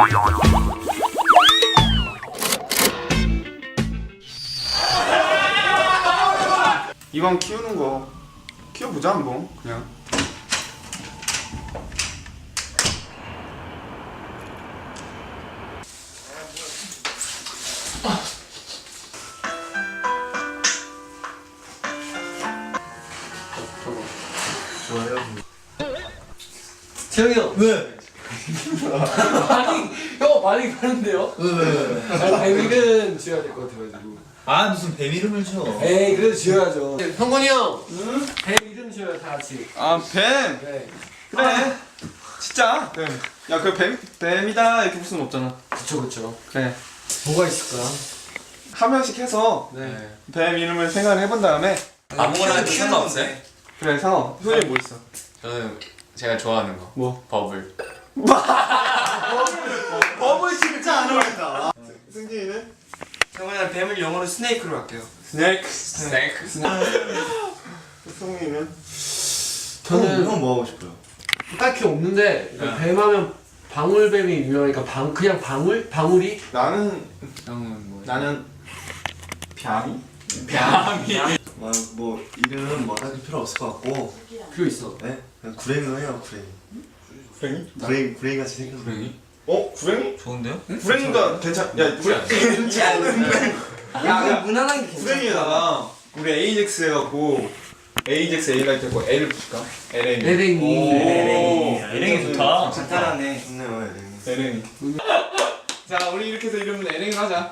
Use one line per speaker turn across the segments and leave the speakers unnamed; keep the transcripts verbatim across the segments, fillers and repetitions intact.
이왕 키우는 거 키워보자 한번 그냥.
재영이 형.
왜?
반응, 형 반응이 다른데요?
왜 왜 왜?
아니 뱀이는 지어야 될 것 같아가지고.
아 무슨 뱀 이름을 줘?
에이 그래도 지어야죠. 형건이 형. 응? 뱀 이름 지어요 다 같이.
아 뱀.
네.
그래. 진짜. 뱀. 야그 뱀 뱀이다 이렇게 볼 수는 없잖아.
그쵸 그쵸.
그래.
뭐가 있을까?
한 명씩 해서
네.
뱀 이름을 생각을 해본 다음에
아무거나 해도 상관없어요?
그래 상어. 소연이 뭐 있어?
저는 제가 좋아하는 거
뭐?
버블.
버블 진짜 안 어울린다. 승진이는?
저는 뱀을 영어로 스네이크로 할게요.
스낵.
스낵.
승진이는?
저는
형 뭐 하고 싶어요?
딱히 없는데 뱀하면 방울뱀이 유명하니까 방 그냥 방울 방울이
나는
형은 뭐?
나는 뱀이?
뱀이.
뭐, 뭐 이름 뭐 따질 필요 없을 것 같고
필요 있어.
네? 그냥 구랭이로 해요 구랭이.
구랭이?
구랭이 구랭이 같이 생겨서.
구랭이?
어? 구랭이?
좋은데요?
구랭이가 괜찮. 야 구랭이.
야, 무난한 게 괜찮아.
구랭이에다가 우리 에이젝스 해갖고 에이젝스 A라이트 했고 L을 붙일까? 엘엔이.
에랭이.
에랭이
좋다. 간단하네.
좋네요 에랭이.
엘엔이. 자 우리 이렇게 해서 이름은 엘엔이로 하자.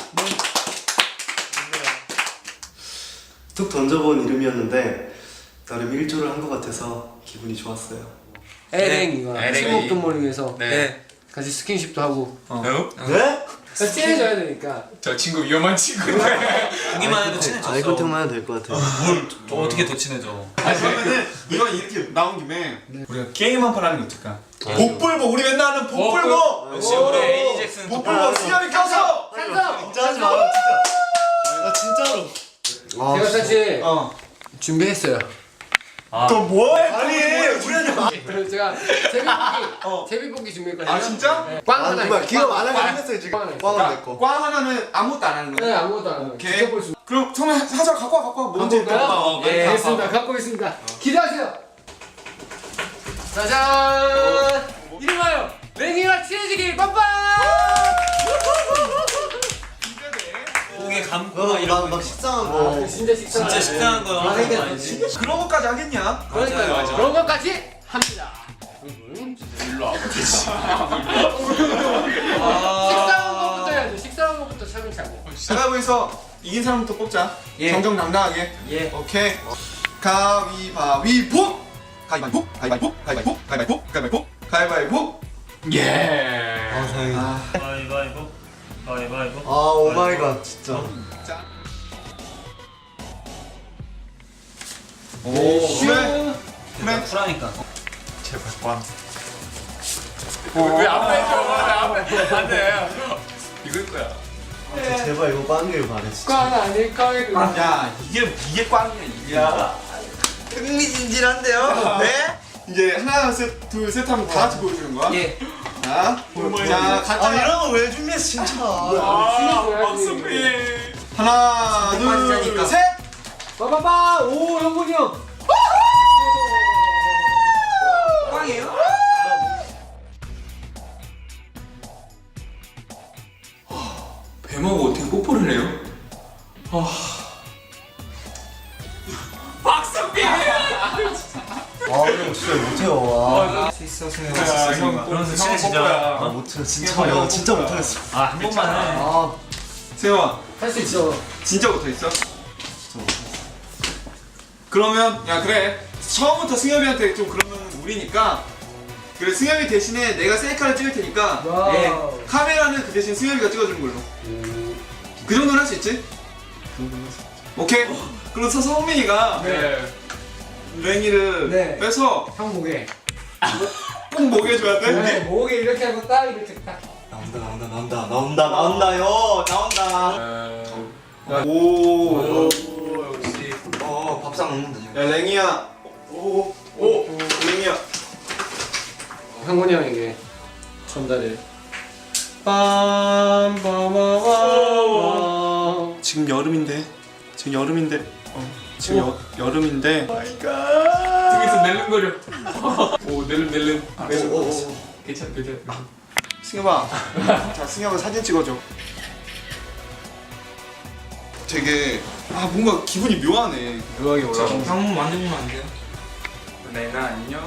툭 던져본 이름이었는데 나름 일조를 한 것 같아서 기분이 좋았어요.
에랭이가
에랭이.
친목동물원에서
네.
같이 스킨십도 하고
어?
네?
친해져야 되니까.
저 친구 위험한 친구인데.
보기만 해도 친해졌어.
아이 컨택만 해도 될 것 같아요.
저 어떻게 더 친해져?
아 그러면은 이건 이렇게 나온 김에 우리가 게임 한 판 하는 게 어떨까? 복불복 우리 맨날 하는 복불복.
역시 우리 에이젝스는
복불복 수염이 껴서.
찬성.
진짜 하지 마 진짜. 나 진짜로. 아,
제가 사실
어.
준비했어요.
또 뭐해?
아니 우리한테
그래서 제가 제비뽑기 제비뽑기 준비했거든요.
아 진짜?
네. 꽝
아
하나
정말
있어요.
기가
꽝.
많아가
꽝.
생겼어요 지금.
꽝 하나
꽝은 내 거.
꽝 하나는 아무것도 안 하는
네
거야.
아무것도 안 하고
오케이.
직접 볼 수.
그럼 처음에 하자 갖고 와 갖고 와. 뭔지
갖고 올까요?
또.
예, 알겠습니다. 갖고 있습니다. 기대하세요. 짜잔. 이름하여 랭이와 친해지길 빠빠.
고개 감고
어,
막
막,
이런
막
거.
식상한
아,
거.
진짜 식상.
진짜 식상한 거 하는 거 아니지?
그런 것까지 하겠냐?
그러니까요.
맞아, 맞아.
그런 것까지 합니다.
일로 와봐.
식상한 것부터 해야죠. 식상한 것부터 차근차근.
가위바위보에서 이긴 사람부터 뽑자.
예.
정정당당하게.
예.
오케이. 가위바위보. 가위바위보. 가위바위보. 가위바위보. 가위바위보. 가위바위보. 가위바위보.
예.
아 다행이다.
가위바위보. 가위바위보.
아 오마이갓 진짜.
자.
오.
그래. 그래.
쿨하니까.
제발 꽝. 왜 앞에 줘? 앞에 안돼. 이걸 거야.
아, 제발 이거 빵길 바래 진짜.
꽝 아닐까?
야 이게 이게 꽝이야 이게. 야.
흥미진진한데요? 네?
이제 하나 셋둘셋 하면 다 같이 보여주는 거야.
예.
자. 자 각자.
아 이런 거 왜 준비했어 진짜.
아, 박수피.
하나
빠지자니까.
둘 셋.
빠바바. 오 영훈이 형.
꽝이에요?
뱀하고 어떻게 뽀뽀를 해요? 박수피.
아 이거 진짜 못해요.
수 있어 승현.
그러면서 친해지자.
아 못해 진짜 야 진짜 못하겠어.
아 한 번만 해.
아
세영아
할 수 있어.
진짜 못하겠어? 그러면 야 그래 처음부터 승엽이한테 좀 그러면 우리니까 그래 승엽이 대신에 내가 셀카를 찍을 테니까
와.
예.
카메라는 그 대신 승엽이가 찍어주는 걸로. 그 정도는 할 수 있지? 오케이. 그래서 성민이가
네.
랭이를
네.
빼서
형 목에.
꼭 먹여줘야 돼.
네, 목에 이렇게 하고 딱 이렇게 딱.
나온다 나온다 나온다 나온다 나온다요 나온다.
오.
오, 역시.
어 밥상 먹는다 지금.
야 랭이야. 오. 오. 랭이야.
형훈이 형에게 전달을. 빰빰빰빰.
지금 여름인데 지금 여름인데 어, 지금 여, 여름인데
등에서 낼름거려. 오 낼름 낼름.
오, 오, 오.
괜찮 괜찮.
승엽아. 자, 승엽아 사진 찍어줘. 되게 아 뭔가 기분이 묘하네.
묘하게 올라가.
한번 만져보면 안 돼요?
내나 안녕.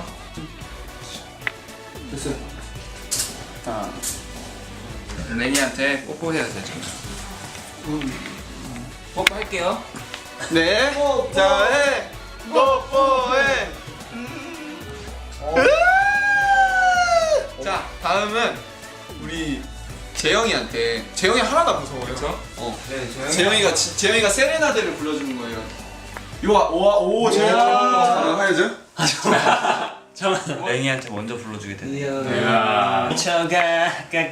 됐어.
자,
레니한테 뽀뽀해야 되죠.
뽀뽀할게요.
네. 자, 해. 뽀뽀해. 자, 다음은 우리 재영이한테. 재영이 하나가 무서워요.
그렇죠?
어.
네, 저요.
재영이가 지- 재영이가 세레나데를 불러주는 거예요. 요아 오아 오 재영이 가능하죠?
레니한테 먼저 불러주게 되네요.
야.
미쳐가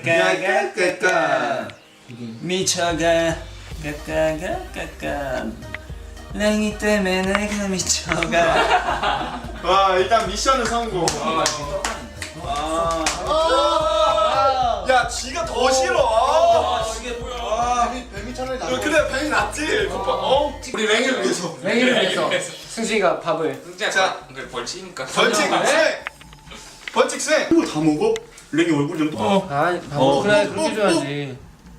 까까가 미쳐가 까까가 까까 랭이 때문에 내가 미쳐가.
와 일단 미션은 성공. 아. 야 쥐가 더 싫어.
이게 뭐야?
뱀이, 뱀이 차라리
어, 그래 뱀이 낫지. 어? 우리 랭이를 위해서.
랭이를 위해서 승식이가 밥을.
진짜
자.
그 벌칙이니까.
벌칙 수행. 벌칙 수행.
이걸 다 먹어? 랭이 얼굴 좀 어.
아, 밥을 그래 그렇게 줘야지.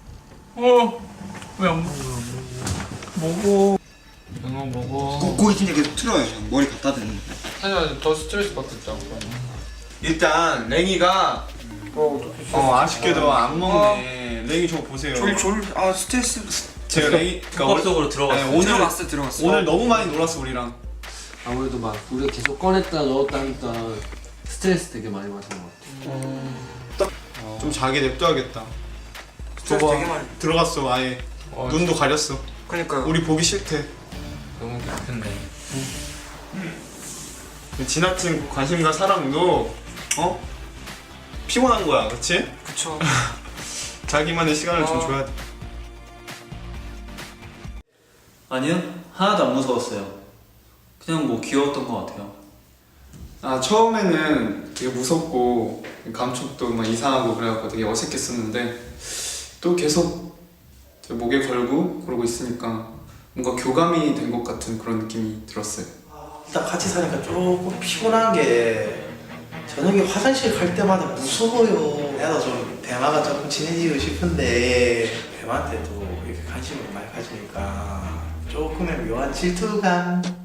어왜안 먹어?
영어 먹어.
고기 진짜 계속 틀어요. 머리 갖다 대는.
하지만 더 스트레스 받겠다.
일단 랭이가 어 아쉽게도 안 먹네. 랭이 저거 보세요.
졸아 스트레스.
제가 랭이 그러니까
컵
원-
속으로 들어갔어.
네, 오늘
들어갔어 들어갔어.
오늘 너무 많이 놀았어 우리랑.
아무래도 막 우리가 계속 꺼냈다 넣었다 하니까 스트레스 되게 많이 받은 것 같아.
좀 자게 냅둬야겠다.
스트레스 되게 많이.
들어갔어 아예.
어,
눈도 가렸어.
그러니까
우리 보기 싫대.
너무 깊은데.
지나친 관심과 사랑도 어 피곤한 거야, 그렇지?
그쵸.
자기만의 시간을 좀
어.
줘야 돼.
아니요, 하나도 안 무서웠어요. 그냥 뭐 귀여웠던 것 같아요.
아 처음에는 되게 무섭고 감촉도 막 이상하고 그래갖고 되게 어색했었는데 또 계속 제 목에 걸고 그러고 있으니까 뭔가 교감이 된 것 같은 그런 느낌이 들었어요.
일단 같이 사니까 조금 피곤한 게 저녁에 화장실 갈 때마다 무서워요. 나도 좀 대화가 조금 친해지고 싶은데 뱀한테도 이렇게 관심을 많이 가지니까 조금의 묘한 질투감